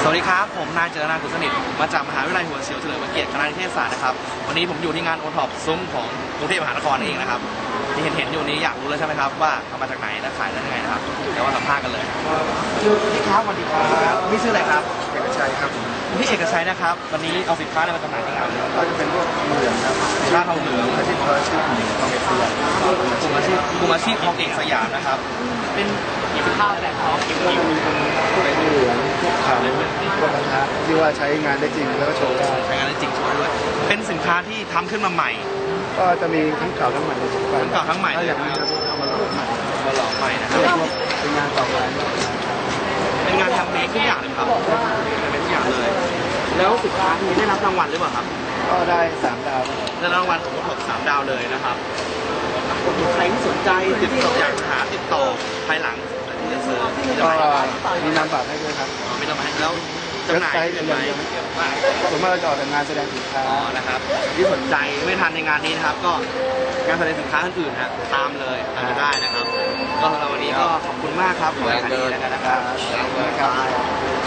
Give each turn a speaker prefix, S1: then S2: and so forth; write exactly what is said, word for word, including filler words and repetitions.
S1: วัสดีครับผมนายเจรนากุลสนิทมาจากมหาวิทยาลัยหัวเฉียวเฉลิมพระเกียรติคณะนิเทศศาสตร์นะครับวันนี้ผมอยู่ที่งานโอท็อปซุ้มของกรุงเทพมหานครเองนะครับที่เห็นเห็นอยู่นี้อยากรู้เลยใช่ไหมครับว่าเอามาจากไหนและขายได้ยังไงนะครับเดี๋ยวมาสัมภาษณ์กันเลยสวัสดีครับสวัสดีครับพี่ชื่ออะไรครับ
S2: เอกชัยครับ
S1: พี่เอกชัยนะครับวันนี้เอาสินค้าอะไรมาจำหน่ายที่งาน
S2: ก็จะเป็นพวกเหลืองครับ
S1: ร้านทองเหลือง
S2: อาชีพอาชีพหนึ่งทองเอกสยาม
S1: กลุ่มอาชีพกลุ่มอาชีพทองเอกสยามนะครับเป็นสินค้าอะไรครับ
S2: ก็จะมีเป็นเหลืองพวกขาวพวกกระทะที่ว่าใช้งานได้จริงแล้วก็โชว์ได้
S1: ใช้งานได้จริงโชว์ด้วยเป็นสินค้าที่ทำขึ้นมาใหม่
S2: ก็จะมีทั้งเก่าทั้งใหม่
S1: ทั้งเก่าทั้งใหม่
S2: ถ้าอย่างนี้จะเอามาหล่อใหม่
S1: มาหล่อใหม่นะครับ
S2: เป็นงานต่อไป
S1: เป็นงานทำเมคทุกอย่างเลยครับเป็นทุกอย่างเลยแล้วสินค้านี้ได้รับรางวัลหรือเปล่าครับ
S2: ก็ได้สามดาว
S1: ได้รางวัลผมถกสามดาวเลยนะครับใครที่สนใจติดต่ออยากหาติดต่อภายหลัง
S2: ก็มีนามบัตรให้ด้วยครับ
S1: มีนามบัตรให้แล้วจำหน่ายเป็นไหม
S2: ผมว่าเราจะออกจากงานแสดงสินค้า
S1: อ๋อนะครับที่สนใจไม่ทันในงานนี้นะครับก็งานแสดงสินค้าอื่นๆฮะตามเลยตามได้นะครับก็สำหรับวันนี้ก็ขอบคุณมากครับขอให้ขายดีแล้วกันนะครับ